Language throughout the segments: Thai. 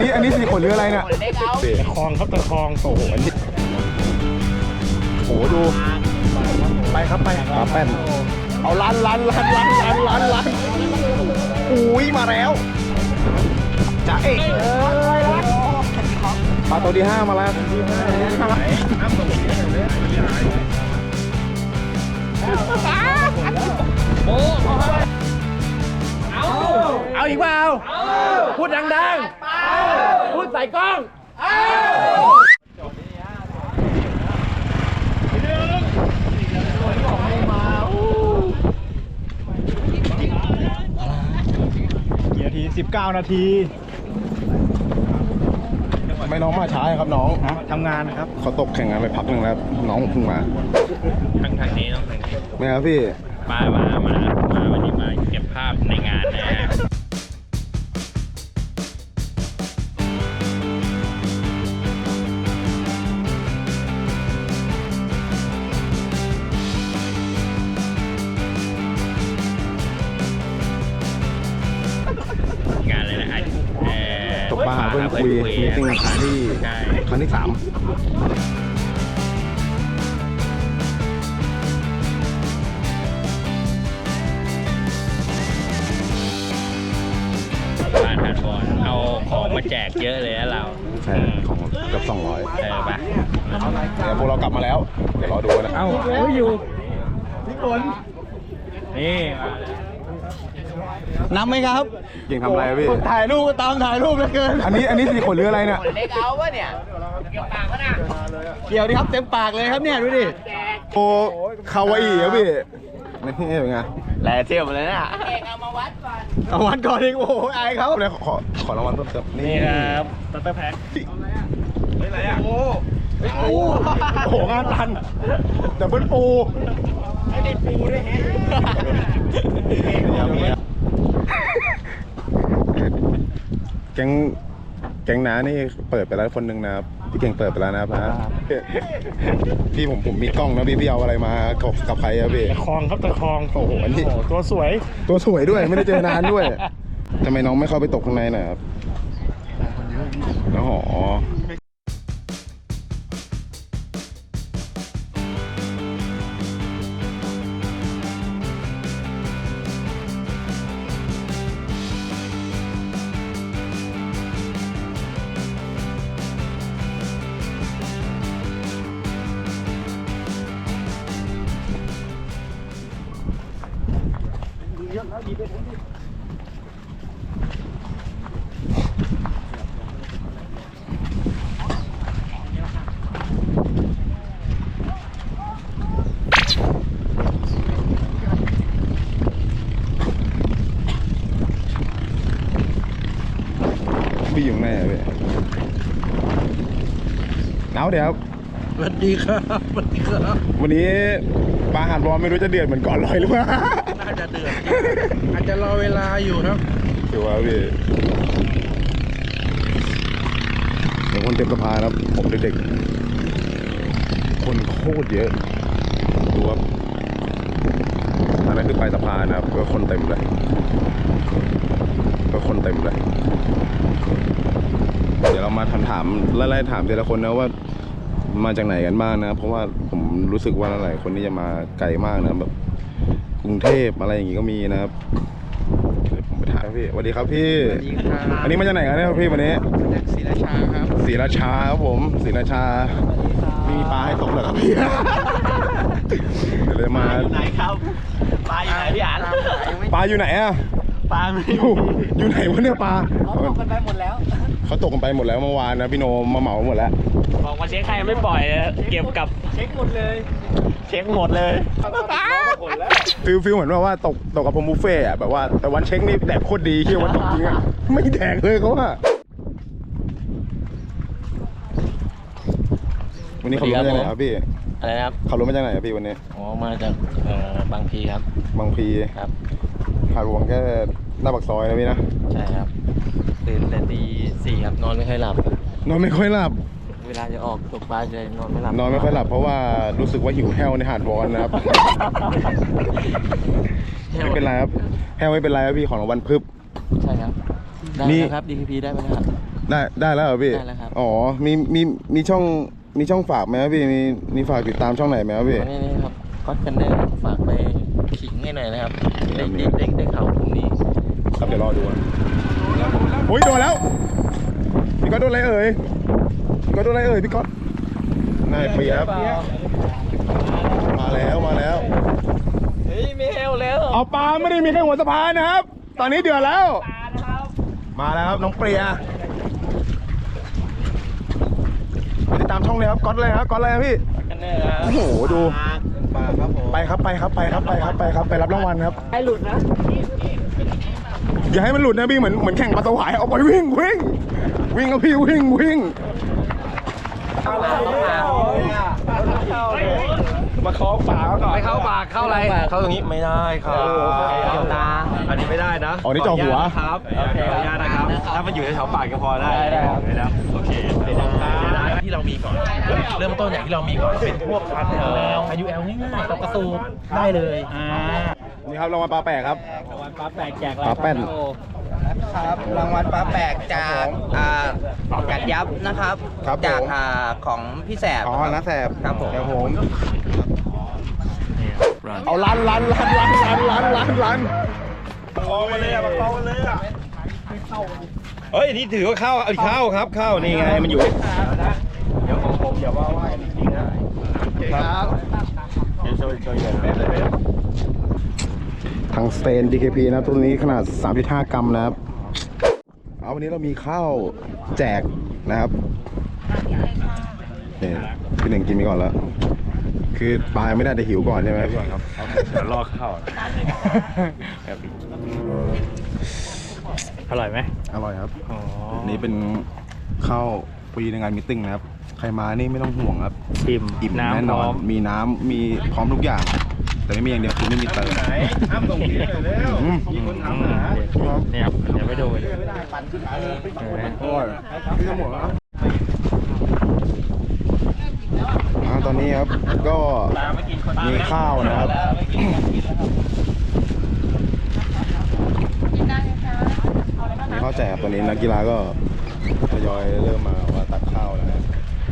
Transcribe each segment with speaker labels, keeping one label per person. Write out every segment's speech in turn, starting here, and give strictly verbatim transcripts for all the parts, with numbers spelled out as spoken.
Speaker 1: นี่อันนี้สี่ขนหรืออะไรเนี่ยตะคองครับตะคองโอ้โหอันนี้โอ้โหดูไปครับไปปลาแป้นเอาลันลันลันลันลันลันลันอุ้ยมาแล้วจ้าเอกปลาตัวที่ห้ามาแล้วเอาอีกเปล่าพูดดังๆพูดใส่กล้องกี่นาทีสิบเก้านาทีไม่น้องมาช้าครับน้องทำงานครับเขาตกแข่งงานไปพักหนึ่งแล้วน้องเพิ่งมา
Speaker 2: ทางทางนี้น้องทางนี้
Speaker 1: ไม่ครับพี่
Speaker 2: มามามามาวันนี้มาเก็บภาพในงานนะฮะงานอะไรนะ
Speaker 1: ตกปลาเพื่อนคุยมีติ้งครั้งที่ครั้งที่สาม
Speaker 2: ผ่านผ่านบอลเอาของมาแจกเยอะเลยนะเรา
Speaker 1: ใช่ของเกือบสองร้อย
Speaker 2: เออปะ
Speaker 1: เดี๋ยวพวกเรากลับมาแล้วเดี๋ยวรอดูนะ
Speaker 2: เอ้าเฮ้ยอยู่พี่ฝนนี่
Speaker 3: นับไหมครับ
Speaker 1: เก่งทำอะไรพี่
Speaker 3: ถ่ายรูปก็ตามถ่ายรูปเหลือเกิน
Speaker 1: อันนี้อันนี้สี่ขนหรืออะไรเนี่ย
Speaker 2: เล็กเอาวะเนี่ยเกี่ยวปากวะน่ะ
Speaker 3: เกี่ยวดิครับเต็มปากเลยครับเนี่ยดูดิ
Speaker 1: โอ้คาวาอิครับพี่นี่เป็นไง
Speaker 3: แหล่เที่ยวมาเลยนะ
Speaker 2: เอกเอามาวัดก่อน
Speaker 3: เอาวัดก่อนดิโอ้โหอายเขา
Speaker 1: เลยขอขอรางวัลเพิ่มเติม
Speaker 2: นี่ครับตัตเตอร์แพ็ค
Speaker 1: ไม่ไรอ่ะโอ้โหโอ้โหงานตันแต่เบิ้ลปู
Speaker 2: ไม่ได้ปูด้วย
Speaker 1: แฮะแก๊งแก๊งน้านี่เปิดไปแล้วคนหนึ่งนะครับพี่เก่งเปิดไปแล้วนะครับนะพี่ผมผมมีกล้องนะพี่พี่เอาอะไรมากับใครอะพี่
Speaker 3: ตะคองครับตะคอง
Speaker 1: โอ้โหอันนี้
Speaker 3: ตัวสวย
Speaker 1: ตัวสวยด้วยไม่ได้เจอนานด้วยทำไมน้องไม่เข้าไปตกข้างในหน่อยครับอ๋อพี่อยู่ไหนอะพี่หนาวเดี๋ยว
Speaker 3: สวัสดีครับสวัสดีครับ
Speaker 1: วันนี้ปลาหาดร้อนไม่รู้จะเดือดเหมือนก่อนลอยหรือเปล่า
Speaker 3: น่าจะเดือดอาจจะรอเวลาอยู่ครับ
Speaker 1: ถือว่าพี่เดี๋ยวคนเต็มสะพานครับผมเด็กๆคนโคตรเยอะดูครับอันนั้นคือปลายสะพานนะครับก็คนเต็มเลยก็คนเต็มเลยเดี๋ยวเรามาถามถามไล่ๆถามแต่ละคนนะว่ามาจากไหนกันบ้างนะเพราะว่าผมรู้สึกว่าหลายคนนี่จะมาไกลมากนะแบบกรุงเทพอะไรอย่างงี้ก็มีนะครับผมไปถามพี่สวัสดีครับพี่อันนี้มาจากไหนกันเนี่ยพี่วันนี้
Speaker 3: จากศรีราชาครับ
Speaker 1: ศรีราชาครับผมศรีราชามีปลาให้ตกเหรอครับพี่เดี๋ยวเลยมา
Speaker 2: อยู่ไหนครับปลาอยู่ไหนพี่อ่าน
Speaker 1: ปลาอยู่ไหนอะ
Speaker 2: ปลา
Speaker 1: อยู่อยู่ไหนวะเนี่ยปลา
Speaker 2: เขาตกกันไปหมดแล้ว
Speaker 1: เขาตกกันไปหมดแล้วเมื่อวานนะพี่โนมาเหมาหมดแล้ว
Speaker 2: บอกมาเช็คใครไม่ปล่อยเก็บกับเช็คหมดเลยเช็คหมดเลย
Speaker 1: ฟิลฟิลเหมือนว่าตกตกกับผมบุฟเฟ่อะแบบว่าแต่วันเช็คนี่แดกโคตรดีที่วันตกจริงอะไม่แดกเลยเขาว่าวันนี้เขาลงมาจากไหนครับพี่
Speaker 2: อะไรครับ
Speaker 1: เขาลงมาจากไหนครับพี่วันนี้
Speaker 2: อ๋อมาจากบางพีครับ
Speaker 1: บางพี
Speaker 2: ครับ
Speaker 1: หาดหลวงแค่หน้าปากซอยนะพี่นะ
Speaker 2: ใช่ครับตื่นแต่ตีสี่ครับนอนไม่ค่อยหลับ
Speaker 1: นอนไม่ค่อยหลับ
Speaker 2: เวลาจะออกตกปลาจะนอนไม่หลับ
Speaker 1: นอนไม่ค่อยหลับเพราะว่ารู้สึกว่าหิวแห้วในหาดวอนนะครับไม่เป็นไรครับแห้วไม่เป็นไรครับพี่ของรางวัลพึบ
Speaker 2: ใช่ครับได้ครับ ดี พี พี ได้ไหมครับ
Speaker 1: ได้ได้แล้วเหรอพี่
Speaker 2: ได้แล้วครับ
Speaker 1: อ๋อมีมีมีช่องมีช่องฝากไหมครับพี่มีมีฝากติดตามช่องไหนไหมครับพี่
Speaker 2: นี่นี่ครับก็กันเนอร์ฝากไปขิงให้หน่อยนะครับได้ได้ได้ได้ข่าวพรุ่งนี้
Speaker 1: ครับเดี๋ยวรอดูนะโอ้ยโดนแล้วพี่ก๊อตโดนอะไรเอ่ยพี่ก๊อตโดนอะไรเอ่ยพี่ก๊อตนายเปียครับมาแล้วมาแล้ว
Speaker 2: เฮ้ยไม่เฮลแล้ว
Speaker 1: เอาปลาไม่ได้มีแค่หัวสะพานนะครับ ตอนนี้เดือดแล้ว มาแล้วครับน้องเปรียไปติดตามช่องเลยครับก๊อตเลยครับก๊อตเลยครับพี่
Speaker 2: กันเนอร์ครับ
Speaker 1: โอ้โหดู
Speaker 3: ปลาครับผม
Speaker 1: ไปครับไปครับไปครับไปครับไปครับไปรับรางวัลครับ
Speaker 2: ให้หลุดนะ
Speaker 1: อย่าให้มันหลุดนะพี่เหมือนเหมือนแข่งปลาสวายเอาไปวิ่งวิ่งวิ่งครับพี่วิ่งวิ่งมาเคาะปากก่อน
Speaker 2: ไม่เข้าปากเข้าอะไรเข้าตรงนี้ไม่ได้ครับเกี่ยวตา
Speaker 4: อันนี้ไม่ได้นะ
Speaker 1: อ๋อนี่จ่อหัว
Speaker 4: ครับขออนุญาตนะครับ ถ้ามันอยู่ในแถวปากก็พอได้
Speaker 2: ได้ครับ
Speaker 4: ได้นะโอเค
Speaker 3: ที่เรามีก่อน เริ่มต้นอย่างที่เรามีก่อนเป็นพวกพันธุ์เอ่อพายุแอลง่ายๆกับกระสูบได้เลยอ่า
Speaker 1: นี่ครับรางวัลปลาแปลกครับ
Speaker 2: วันป้าแปลกแจกอะไร
Speaker 1: ปลาแป้น
Speaker 5: ครับรางวัลปลาแปลกจากอ่ากัดยับนะครับ
Speaker 1: ครับผม
Speaker 5: จากอ่าของพี่แสบ
Speaker 1: อ๋อนะแสบ
Speaker 5: ครับผม
Speaker 1: เดี๋ยวผมเอาลันลันลันลันลันลันลันลัน
Speaker 4: เฮ้ย นี่ถือว่าเข้าเอาเข้าครับ เข้า นี่ไง มันอยู่
Speaker 1: ครับ
Speaker 4: เดี๋ยวช่วยช่วยกัน
Speaker 1: ทางสเตน ดี เค พี นะครับตัวนี้ขนาด สามจุดห้า กรัมนะครับเอาวันนี้เรามีข้าวแจกนะครับนี่พี่หนึ่งกินไปก่อนแล้ว คือปลาไม่ได้แต่หิวก่อนใช่ไหมพี่ครับ
Speaker 4: เดี๋ยวรอเข้า
Speaker 2: อร่อยไหม
Speaker 1: อร่อยครับ
Speaker 2: อ๋อ
Speaker 1: นี่เป็นข้าวฟรีในงานมีตติ้งนะครับ ใครมานี่ไม่ต้องห่วงครับ
Speaker 2: อิ่ม
Speaker 1: อิ่ม
Speaker 2: น้ำ
Speaker 1: แน่น
Speaker 2: พ
Speaker 1: อ
Speaker 2: ร้อน ม
Speaker 1: มีน้ำมีพร้อมทุกอย่าง แต่ไม่มีอย่างเดียวคือไม่มีเติม
Speaker 4: อ้ำส่งที่เลยเร็ว
Speaker 1: อืม
Speaker 4: มีคนถามหา
Speaker 2: เนี่ยครับเดี๋ยวไปดูเลย
Speaker 1: อร่อยพี่จะหมดแล้วอ่าตอนนี้ครับก็มีข้าวนะครับ มีข้าวแจกตอนนี้นักกีฬาก็ทยอยเริ่มมาว่าตักข้าวแล้วนะ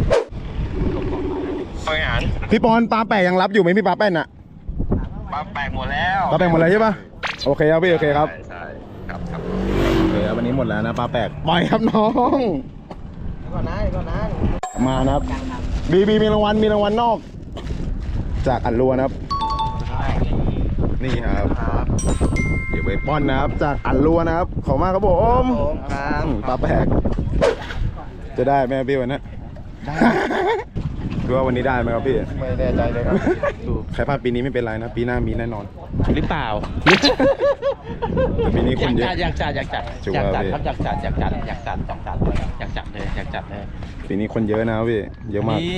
Speaker 4: บริหาร
Speaker 1: พี่ปอนปลาแปะยังรับอยู่ไหมพี่ปลาแป้นอะ
Speaker 4: ปลาแปลกหมดแล้ว
Speaker 1: ปลาแปะหมดเลยใช่ปะโอเคครับพี่โอเคครับ
Speaker 4: ใช่ครับครับ
Speaker 1: โอเคครับวันนี้หมดแล้วนะปลาแปลกปล่อยครับน้อง
Speaker 5: ก่อนนะก่อนนะ
Speaker 1: มานะครับบีบีมีรางวัลมีรางวัลนอก จากอันรัวนะครับ นี่ครับเดี๋ยวไปป้อนนะครับ จากอันรัวนะครับ ขอบมากครับผม
Speaker 5: ครับ
Speaker 1: อืมปลาแปลกจะได้ไหมพี่วันนี้ได้ คือว่าวันนี้ได้ไหมครับพี่
Speaker 3: ไม่แน่ใจเลยครับ
Speaker 1: ใครพลาดปีนี้ไม่เป็นไรนะ ปีหน้ามีแน่นอน
Speaker 2: หรือเปล่า
Speaker 1: แต่ปีนี้คนเยอะ
Speaker 2: อยากจัดอยากจัด
Speaker 1: ชัวร์
Speaker 2: อยากจัด
Speaker 1: พี่
Speaker 2: ครับอยากจัดอยากจัดอยากจัดอยากจัดอยากจัดเลยอยากจัดเลย
Speaker 1: ปีนี้คนเยอะนะครับพี่ เยอะมาก
Speaker 3: นี้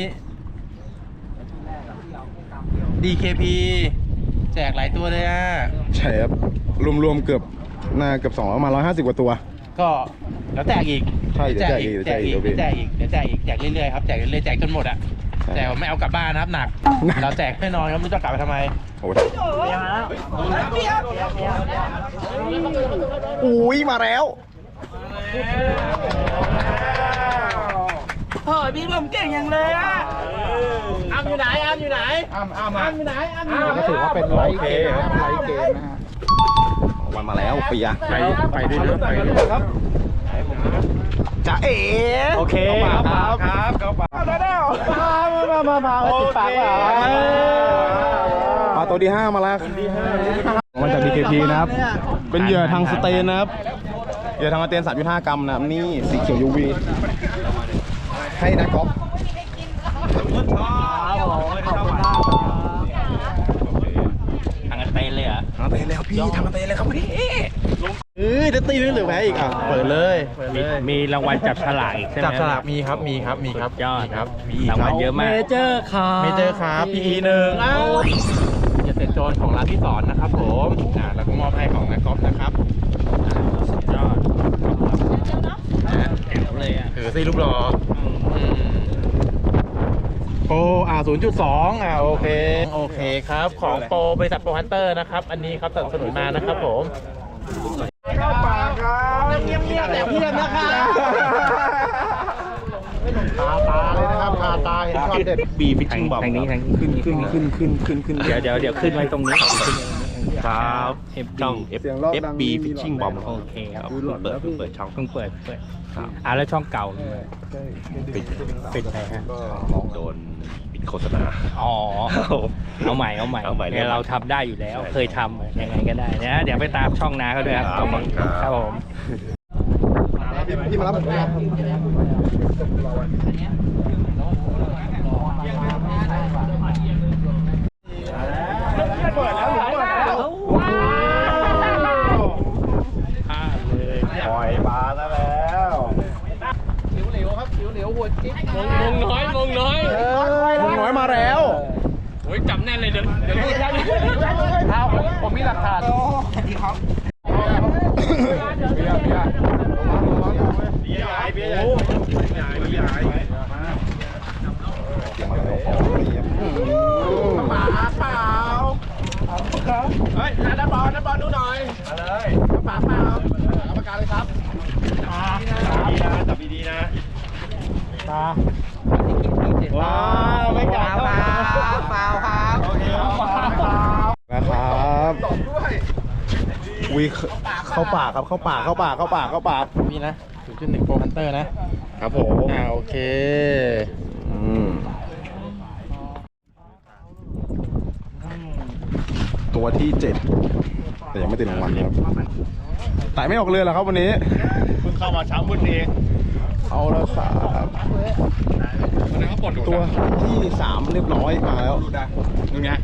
Speaker 3: ดี เค พี แจกหลายตัวเลยอ่ะ
Speaker 1: ใช่ครับ รวมๆเกือบน่าเกือบสองร้อยมาร้อยห้าสิบกว่าตัว
Speaker 3: ก็แล้วแจกอีก
Speaker 1: ใช่เดี๋ยวแจกอีก
Speaker 3: แจกอีก
Speaker 1: เดี๋ยวแจ
Speaker 3: แจ
Speaker 1: ก
Speaker 3: ก
Speaker 1: อี
Speaker 3: อี
Speaker 1: ก
Speaker 3: กเดี๋ยวแจกอีกแจกเรื่อยๆครับแจกเรื่อยๆแจกจนหมดอ่ะ
Speaker 1: ใช่
Speaker 3: แต่ไม่เอากลับบ้านนะครับหนัก
Speaker 1: หนัก
Speaker 3: เราแจกแน่นอนครับไม่รู้จะกลับไปทำไม
Speaker 1: โอ้โหอุ้ยมาแล้ว
Speaker 5: เฮ้ยพี่ผมเก่งอย่างเลยอ่ะอ้ำอยู่ไหนอ้ำอยู่ไหน
Speaker 3: อ้ามอ้าม
Speaker 5: อ้ำอยู่ไหนอ้ำอยู่ไหน
Speaker 3: ก็ถือว่าเป็นไลฟ์เกมนะครับไลฟ์เกมนะฮะ
Speaker 1: วันมาแล้วปีอะ
Speaker 2: ไปไปด้วยนะไปด้วย
Speaker 1: จะเอ๋
Speaker 4: โอเคครับครับเข้าปาก
Speaker 1: มามามาติดปากว่ามาตัวที่ห้ามาแล้วมาจาก ดี เค พี นะครับ เป็นเหยื่อทางสเตนนะครับ เหยื่อทางสเตน สามจุดห้า กรัมนะครับนี่สีเขียว ยู วี ให้นะก๊อฟ
Speaker 2: ทางกันเตนเลยเหรอ
Speaker 1: ทางสเตนเลยครับพี่ทางสเตนเลยครับพี่
Speaker 3: เอ้ยจะตีนึงหรือแพ้อีกอ่ะเปิดเลยเปิด
Speaker 2: มี
Speaker 3: เลย
Speaker 2: มีรางวัลจับฉลากอีกใช่ไหม
Speaker 3: จับฉลากมีครับมีครับมีครับ
Speaker 2: ยอด
Speaker 3: มีครับมีอีก
Speaker 2: ราง
Speaker 3: ค
Speaker 2: วั
Speaker 3: รั
Speaker 2: ล
Speaker 3: บ
Speaker 2: เยอะมากเมเจอร์ครับ
Speaker 3: เมเจอร์ครับ พี อี หนึ่งอ้าวอย่าเสร็จโจรของร้านที่สอนนะครับผมอ่าแล้วก็มอบให้ของนักกอล์ฟนะครับ
Speaker 2: สุดยอดแจ๋วเลยอ่ะ
Speaker 3: ถือซีรูปหล่ออืมโปรอ่าศูนย์จุดสองอ่าโอเคโอเคครับของโปรบริษัทโปรฮันเตอร์นะครับอันนี้ครับสนับสนุนมานะครับผม
Speaker 5: เงียบๆแต่เพียบนะครับ
Speaker 3: ตาเห็นช็อตเด็ด
Speaker 4: บีฟิชชิ่งบอม
Speaker 2: ทางนี้ทางนี้
Speaker 1: ขึ้นขึ้นขึ้นขึ้นขึ้นขึ้น
Speaker 2: เดี๋ยวเดี๋ยวเดี๋ยวขึ้นไว้ตรงนี้
Speaker 4: ครับ
Speaker 2: เอฟ
Speaker 4: ช่
Speaker 2: บี
Speaker 4: อง F F B Fishing Bomb
Speaker 2: โอเคครับ
Speaker 4: เพิ่งเปิดเพิ่งเปิดช่อง
Speaker 2: เพิ่งเปิดเปิด
Speaker 4: ครับ
Speaker 2: อ่าแล้วช่องเก่า
Speaker 4: ปิด
Speaker 2: ปิดไหนฮะ
Speaker 4: โดนปิดโฆษณา
Speaker 2: อ๋อ เอาใหม่เอาใหม่
Speaker 4: เอาใหม่
Speaker 2: เนี่ยเราทำได้อยู่แล้ว
Speaker 4: ใช่
Speaker 2: เคยทำยังไงก็ได้นะเดี๋ยวไปตามช่องนาเขาด้วยครับ
Speaker 4: ครับ
Speaker 2: ครับผม
Speaker 1: พี่มารับผมครับ
Speaker 2: อ่าเลย
Speaker 1: ปล่อยปลาซะแล้ว
Speaker 2: มงน้อยมงน้อย
Speaker 1: มึงน้อยมาแล้ว
Speaker 2: โอ้ยจับแน่นเลยเดี๋ยวเดี๋ยวพูดเอาผมมีหลักฐาน
Speaker 4: จับดีๆนะ
Speaker 3: ว้าวไม่กล้า
Speaker 5: เปล่าเปล่าครับ
Speaker 1: นะครับวิเข้าปากครับเข้าปากเข้าปากเข้าปากเข้าปาก
Speaker 3: นี่นะ ศูนย์จุดหนึ่ง Pro Hunter นะครับ
Speaker 1: ผม
Speaker 3: อ่าโอเค
Speaker 1: อืมตัวที่เจ็ดแต่ยังไม่ติดรางวัลครับไต่ไม่ออกเรือเหรอครับวันนี้
Speaker 4: เพิ่งเข้ามาเช้ามืดเอง
Speaker 1: เอาแล้วครับตัวที่สามเรียบร้อยมาแล้ว
Speaker 4: นึงไง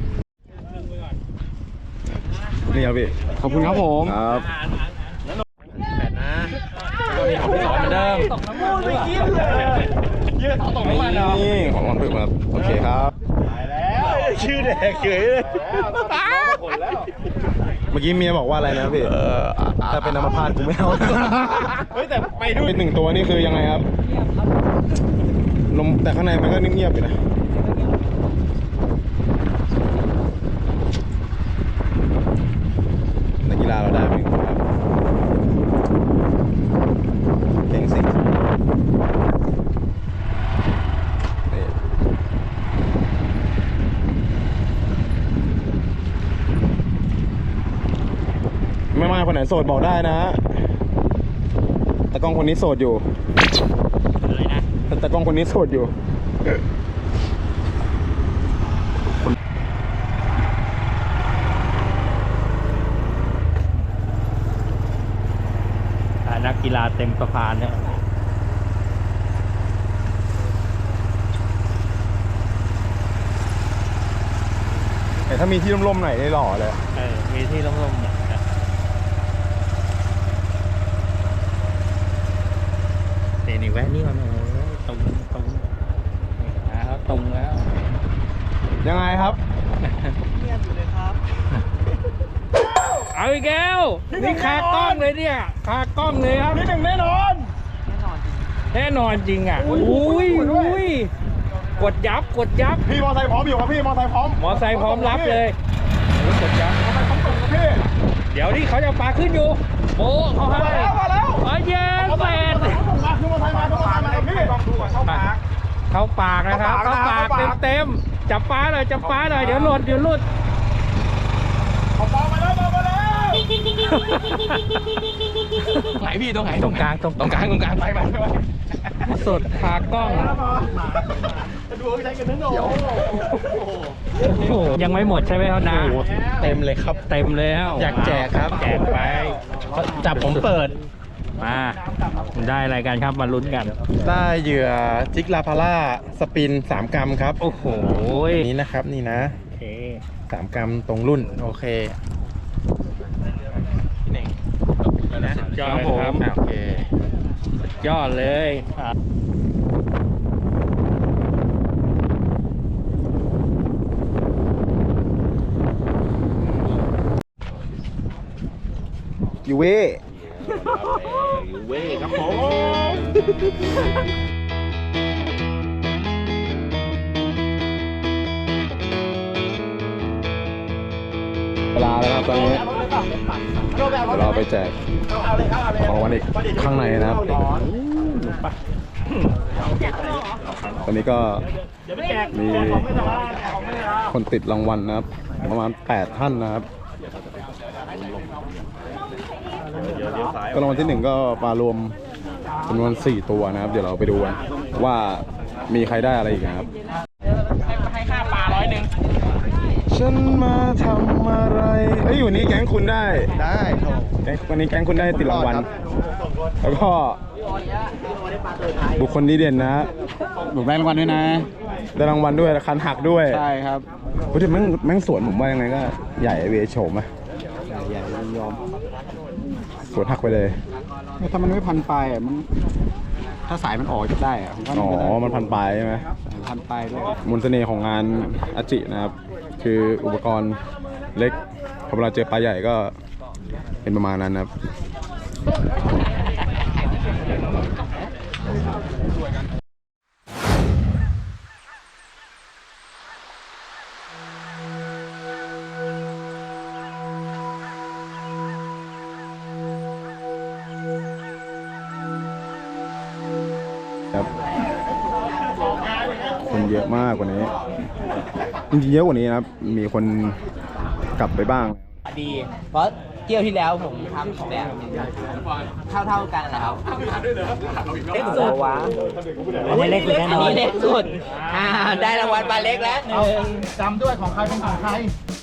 Speaker 1: นี่ครับพี่
Speaker 3: ขอบคุณครับผม
Speaker 1: ครับ
Speaker 3: แปดนะก็มีของพี่สอนเหมือนเดิม
Speaker 4: ยืดเอาตกน้ำมันเหรอ
Speaker 1: นี่ของวันเพิ่มครับโอเคครับ
Speaker 4: ชื่อแดกเฉยเลย
Speaker 1: เมื่อกี้เมียบอกว่าอะไรนะพี่ถ้าเป็นน้ำมพาดกูไม่เอา
Speaker 4: เฮ้ยแต่ไปดู
Speaker 1: เป็นหนึ่งตัวนี่คือยังไงครับลมแต่ข้างในมันก็เงียบๆอยู่นะนักกีฬาเราได้ไหมครับเก่งสินี่ไม่มาคนไหนโสดบอกได้นะตากล้องคนนี้โสดอยู่
Speaker 2: อะไรนะ
Speaker 1: แต่กล้องคนนี้โสดอยู่
Speaker 2: อ่านักกีฬาเต็มสะพานเนี่ย
Speaker 1: แต่ถ้ามีที่ร่มๆหน่อยได้หล่อเลย
Speaker 2: เออมีที่ร่มๆเนี่ยเดี๋ยวนี่แวะนี่ก่อนเลยตรงตรงนี่แล้วตรงแล้ว
Speaker 1: ยังไงครับ
Speaker 2: เอาอีกแล้วนี่คากล้องเลยเนี่ยคากล้องเลยครับ
Speaker 1: นี่หนึ่งแน่นอน
Speaker 2: แน่นอนจริงอ่ะ อุ้ยอุ้ยกดยับกดยับ
Speaker 1: พี่มอไซค์พร้อมอยู่ครับพี่มอไซค์พร้อม
Speaker 2: มอไซค์พร้อมรับเลยโอ้ยกดยับ
Speaker 1: มอไซค์พร้อมส่งครับพี่
Speaker 2: เดี๋ยวนี่เขาจะปลาขึ้นอยู่โอ้เขาให้
Speaker 1: มาแล้วมาแล้ว
Speaker 2: โอ้ยเย็นแฟน
Speaker 1: มาคือมอไซค์มาคือมอไซค์มาครับพี่ลองดูก่อนเข้าปาก
Speaker 2: เข้าปากนะครับ
Speaker 1: เข้า
Speaker 2: เข้า
Speaker 1: ปา
Speaker 2: ปาก ก
Speaker 1: เข้าปาก
Speaker 2: เต็มๆจับปลาหน่อยจับปลาหน่อยเดี๋ยวหลุดเดี๋ยวหลุด
Speaker 1: เอาปลามาแล้วมาแล้ว
Speaker 3: ไหนพี่ตรงไหน
Speaker 2: ตรงกลางตรง
Speaker 3: ตรงกลางตรงกลางไปไปไป
Speaker 2: สดขากล้อง
Speaker 1: ดูใช้กันทั้งโอ้
Speaker 2: โอ้โหยังไม่หมดใช่ไหมครับนา
Speaker 3: เต็มเลยครับ
Speaker 2: เต็มแล้ว
Speaker 3: อยากแจกครับ
Speaker 2: แจกไป
Speaker 3: จับผมเปิด
Speaker 2: มาได้อะไรกันครับมาลุ้นกัน
Speaker 3: ได้เหยื่อจิกลาพาร่าสปินสามกรัมครับ
Speaker 2: โอ้โห
Speaker 3: นี่นะครับนี่นะ
Speaker 2: โอเค
Speaker 3: สามกรัมตรงรุ่น โอเคพี่เน่งนะ
Speaker 2: สุดยอด
Speaker 3: ครับผม
Speaker 2: ครับ
Speaker 3: อ่ะโอเค
Speaker 2: ยอดเลยอ่ะ
Speaker 1: ยูเว่
Speaker 4: เว้ยครับผม
Speaker 1: เวลาแล้วครับตอนนี้เดี๋ยวเราไปแจกของรางวัลอีกข้างในนะครับตอนนี้ก็มีคนติดรางวัลนะครับ ประมาณแปดท่านนะครับก็รางวัลที่หนึ่งก็ปลารวมจำนวนสี่ตัวนะครับ เดี๋ยวเราไปดูกันว่ามีใครได้อะไรอีกนะครับ
Speaker 3: ให้ค่าปลาร้อยหนึ่ง
Speaker 1: ฉันมาทำอะไรเอ้ยวันนี้แก๊งคุณได้
Speaker 5: ได้โถ
Speaker 1: แก๊งวันนี้แก๊งคุณได้ติดรางวัล แล้วก็บุคคลดีเด่นนะ
Speaker 4: ผมได้รางวัลด้วยนะ
Speaker 1: ได้รางวัลด้วยคันหักด้วย
Speaker 4: ใช่ครับ
Speaker 1: พูดถึงแม่งแม่งสวนผมว่ายังไงก็ใหญ่เวโฉมอะ
Speaker 4: ใหญ่ยอม
Speaker 1: สวนหักไปเลย
Speaker 4: ถ้ามันไม่พันปลายอ่ะมันถ้าสายมันออกจะได้อ่ะผมว่า
Speaker 1: อ๋
Speaker 4: มันก็ได้
Speaker 1: อ มันพันปลายใช่ไหม
Speaker 4: พันปลายด้วย
Speaker 1: มนต์เสน่ห์ของงานอาจินะครับ คืออุปกรณ์เล็กพอเวลาเจอปลาใหญ่ก็เป็นประมาณนั้นนะครับ ครับ คนเยอะมากกว่านี้ จริงๆเยอะกว่านี้นะครับ มีคนกลับไปบ้าง
Speaker 5: ดี เพราะเที่ยวที่แล้วผมทำแบบเท่าเท่าๆกันนะครับเล็กสุดวะอันนี้เล็กสุดอันนี้เล็กสุดอ่าได้รางวัลปลาเล็กแล้วหนึ่ง
Speaker 3: จำด้วยของใครเป็นของใคร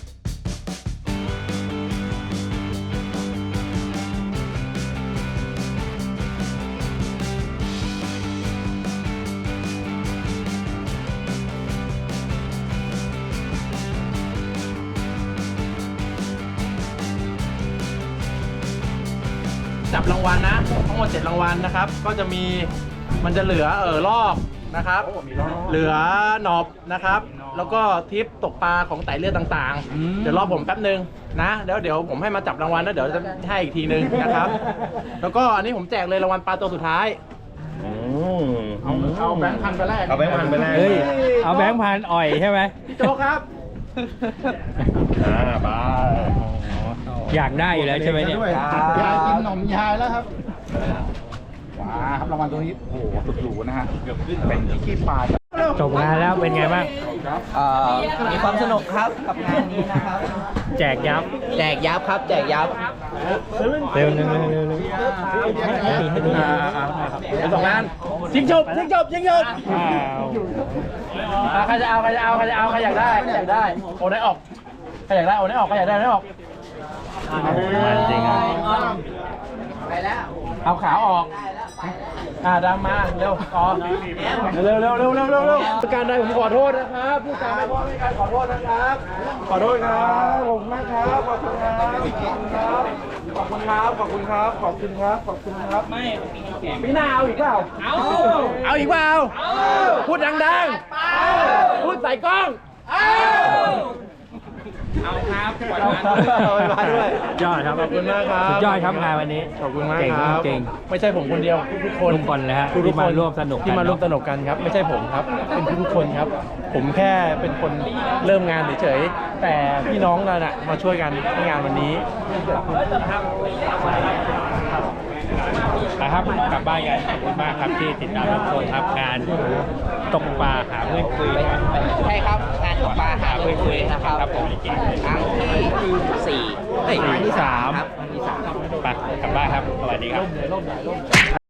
Speaker 3: จับรางวัลนะทั้งหมดเจ็ดรางวัลนะครับ ก็จะมีมันจะเหลือเออลอกนะครับ เหลือหนอบนะครับ แล้วก็ทิปตกปลาของไต่เลือดต่างๆ เดี๋ยวรอผมแป๊บนึงนะแล้วเดี๋ยวผมให้มาจับรางวัลแล้วเดี๋ยวจะให้อีกทีนึงนะครับ แล้วก็อันนี้ผมแจกเลยรางวัลปลาตัวสุดท้ายเอาเอาแบงค์พันไปแรก
Speaker 4: เอาแบงค์พันไปแรก
Speaker 6: เฮ้ย เอาแบงค์พันอ่อยใช่ไหม
Speaker 3: พี่โจ๊กครับ
Speaker 4: อ่าบาย
Speaker 6: อยากได้อยู่แล้วใช่ไหมเนี่ย
Speaker 3: ยายกินขนมยายแล้วครับ
Speaker 4: ว้าครับรางวัลตัวนี้โอ้โหสุดหรูนะฮะเป็นที่ขี้ปลา
Speaker 6: จบงานแล้วเป็นไงบ้าง
Speaker 5: เอ่อมีความสนุกครับกับงานนี้นะครับ
Speaker 6: แจกยับ
Speaker 5: แจกยับครับ แจกยับ
Speaker 6: เร็วเร็วเร็วเร็วเร็วให้ดีให้ดี
Speaker 3: อ่าอ่าเดี๋ยวสองงานยิงจบยิงจบยิงจบ
Speaker 6: อ้าว
Speaker 3: อ่าใครจะเอาใครจะเอาใครจะเอาใครอยากได้ใครอยากได้โอนได้ออกใครอยากได้โอนได้ออกใครอยากได้โอนได้ออก
Speaker 6: มันจริงอ่ะ
Speaker 5: ไปแล้ว
Speaker 3: เอาขาออก อ่าดำมาเร็วต่อเร็วเร็วเร็วเร็วเร็วเร็วผู้การใดผมขอโทษนะครับผู้การไม่พอไม่การขอโทษนะครับ ขอโทษครับขอบคุณมากครับขอบคุณครับขอบคุณครับขอบคุณครับขอบคุณครับขอบคุณครับไม่ปีหน้าเอาอีกเปล่าเอาเอาอีกเปล่าพูดดังๆพูดใส่กล้องเอาครับมาด้วย
Speaker 6: ยอดครับ
Speaker 3: ขอบคุณมากครับ
Speaker 6: สุดยอดครับงานวันนี้
Speaker 3: ขอบคุณมาก
Speaker 6: เก่ง
Speaker 3: ครับ
Speaker 6: เก่ง
Speaker 3: ไม่ใช่ผมคนเดียวทุกๆคน
Speaker 6: ทุกคนเลยฮะ
Speaker 3: ทุกๆ
Speaker 6: ที่มาร่วมสนุกกัน
Speaker 3: ที่มาร่วม
Speaker 6: เนอะ
Speaker 3: สนุกกันครับ ไม่ใช่ผมครับ เป็นทุกๆคนครับ ผมแค่เป็นคนเริ่มงานเฉยๆแต่พี่น้องเราน่ะมาช่วยกันในงานวันนี้
Speaker 6: นะครับกลับบ้านกันขอบคุณมากครับที่ติดตามรับชมครับงานตกปลาหาเพื่อนคุย
Speaker 5: ใช่ครับ งานตกปลาหาเพื่อนคุยนะครับ
Speaker 6: ครับผม
Speaker 5: ครั้งที่สี่เอ้ยครั้งที่สามครับครั้งที่สาม
Speaker 6: ไปกลับบ้านครับสวัสดีครับ